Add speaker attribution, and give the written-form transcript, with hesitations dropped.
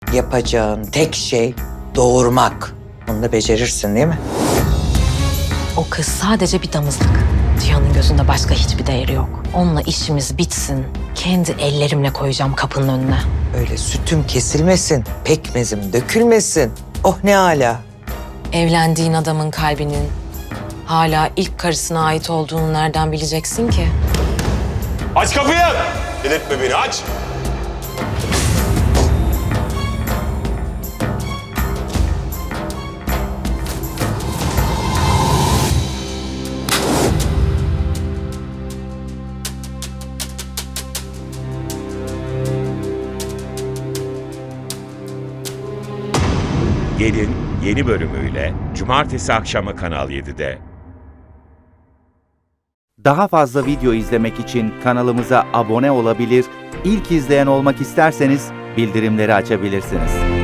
Speaker 1: Yapacağın tek şey doğurmak. Bunu da becerirsin değil mi?
Speaker 2: O kız sadece bir damızlık. Cihan'ın gözünde başka hiçbir değeri yok. Onunla işimiz bitsin. Kendi ellerimle koyacağım kapının önüne.
Speaker 1: Öyle sütüm kesilmesin, pekmezim dökülmesin. Oh ne âlâ.
Speaker 2: Evlendiğin adamın kalbinin hala ilk karısına ait olduğunu nereden bileceksin ki?
Speaker 3: Aç kapıyı! Delirtme beni, aç!
Speaker 4: Gelin yeni bölümüyle Cumartesi akşamı Kanal 7'de.
Speaker 5: Daha fazla video izlemek için kanalımıza abone olabilir, ilk izleyen olmak isterseniz bildirimleri açabilirsiniz.